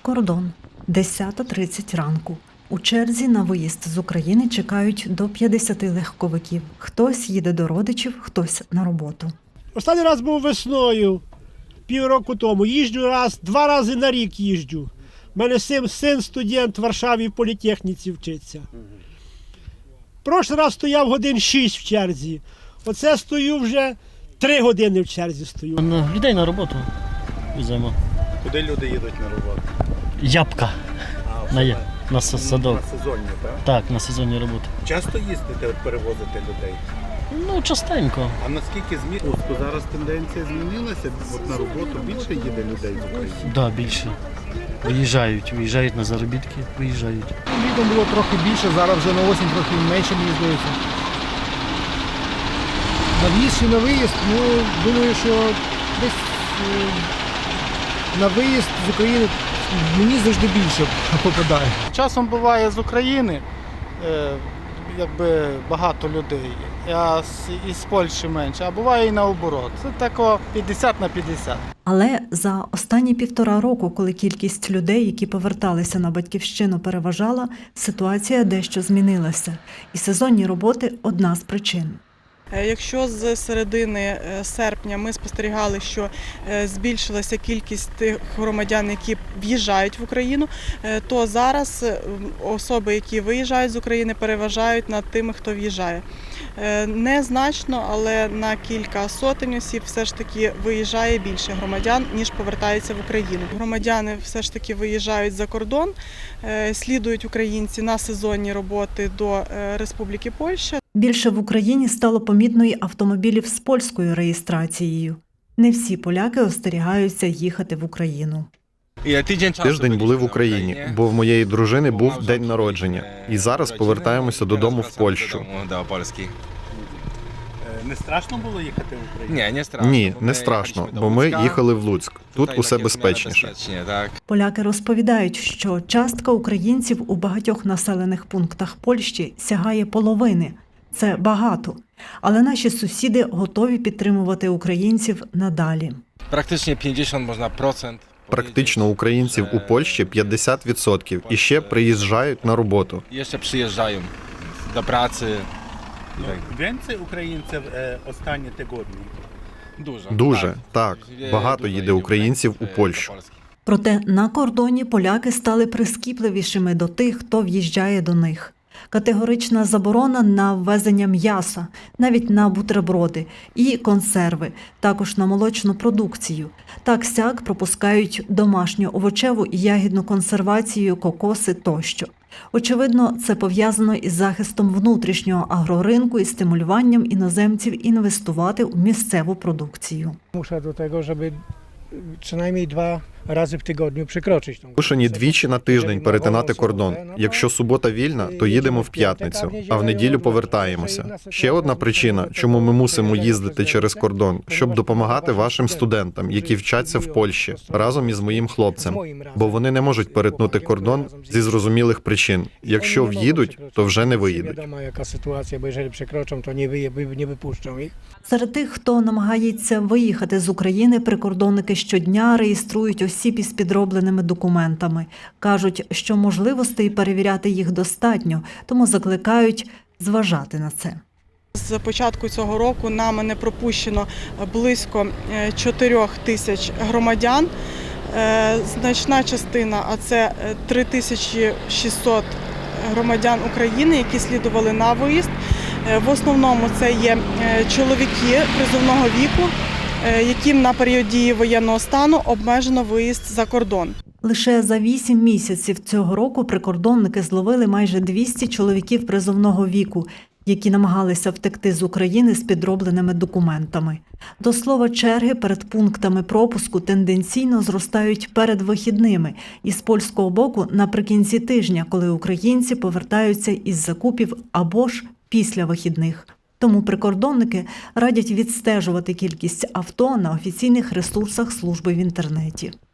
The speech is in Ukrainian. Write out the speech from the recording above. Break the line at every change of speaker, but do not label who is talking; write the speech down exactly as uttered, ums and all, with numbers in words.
Кордон. десята тридцять ранку. У черзі на виїзд з України чекають до п'ятдесяти легковиків. Хтось їде до родичів, хтось на роботу.
Останній раз був весною, півроку тому. Їжджу раз, два рази на рік їжджу. У мене син, син студент в Варшаві в політехніці вчиться. Прошлий раз стояв годин шість в черзі. Оце стою вже три години в черзі стою.
На людей на роботу веземо.
Куди люди їдуть на роботу?
Ябка.
А,
На, я- на с- садок.
На сезонні, так?
Так, на сезонні роботи.
Часто їздите, перевозите людей?
Ну, частенько.
А наскільки змі... От зараз тенденція змінилася? От на роботу більше їде людей з України?
Так, да, більше. Виїжджають, виїжджають на заробітки, виїжджають.
Літом було трохи більше, зараз вже на осінь трохи менше, мені здається. На в'їзд чи на виїзд, ну, думаю, що десь е, на виїзд з України мені завжди більше попадає.
Часом буває з України е, якби багато людей, а з, із Польщі менше, а буває і наоборот. Це тако п'ятдесят на п'ятдесят.
Але за останні півтора року, коли кількість людей, які поверталися на батьківщину, переважала, ситуація дещо змінилася. І сезонні роботи – одна з причин.
Якщо з середини серпня ми спостерігали, що збільшилася кількість тих громадян, які в'їжджають в Україну, то зараз особи, які виїжджають з України, переважають над тими, хто в'їжджає. Незначно, але на кілька сотень осіб все ж таки виїжджає більше громадян, ніж повертається в Україну. Громадяни все ж таки виїжджають за кордон, слідують українці на сезонні роботи до Республіки Польща.
Більше в Україні стало помітно й автомобілів з польською реєстрацією. Не всі поляки остерігаються їхати в Україну.
Тиждень були в Україні, бо в моєї дружини був день народження. І зараз повертаємося додому в Польщу.
Не страшно було їхати в Україну?
Ні, не страшно, бо ми їхали в Луцьк. Тут усе безпечніше.
Поляки розповідають, що частка українців у багатьох населених пунктах Польщі сягає половини. Це багато. Але наші сусіди готові підтримувати українців надалі.
Практично п'ятдесят можна процент.
Практично українців у Польщі п'ятдесят відсотків і ще приїжджають на роботу.
Ще приїжджають до праці.
Więcej українців е, останні тижні?
Дуже.
Дуже, так. Багато їде українців у Польщу.
Проте на кордоні поляки стали прискіпливішими до тих, хто в'їжджає до них. Категорична заборона на ввезення м'яса, навіть на бутерброди і консерви, також на молочну продукцію. Так-сяк пропускають домашню овочеву і ягідну консервацію, кокоси тощо. Очевидно, це пов'язано із захистом внутрішнього агроринку і стимулюванням іноземців інвестувати у місцеву продукцію.
Muszę do tego, żeby przynajmniej dwa razy w tygodniu przekroczyć tą
Вимушені двічі на тиждень перетинати кордон. Якщо субота вільна, то їдемо в п'ятницю, а в неділю повертаємося. Ще одна причина, чому ми мусимо їздити через кордон, щоб допомагати вашим студентам, які вчаться в Польщі, разом із моїм хлопцем. Бо вони не можуть перетнути кордон зі зрозумілих причин. Якщо в'їдуть, то вже не виїдуть.
Wiadomo jaka sytuacja, bo jeżeli przekroczą, to nie, wyje, nie wypuszczą ich.
Серед тих, хто намагається виїхати з України, прикордонники щодня реєструють осіб із підробленими документами. Кажуть, що можливостей перевіряти їх достатньо, тому закликають зважати на це.
З початку цього року нами не пропущено близько чотирьох тисяч громадян. Значна частина, а це три тисячі шістсот громадян України, які слідували на виїзд. В основному це є чоловіки призовного віку, яким на період дії воєнного стану обмежено виїзд за кордон.
Лише за вісім місяців цього року прикордонники зловили майже двісті чоловіків призовного віку, які намагалися втекти з України з підробленими документами. До слова, черги перед пунктами пропуску тенденційно зростають перед вихідними і з польського боку наприкінці тижня, коли українці повертаються із закупів або ж після вихідних. Тому прикордонники радять відстежувати кількість авто на офіційних ресурсах служби в інтернеті.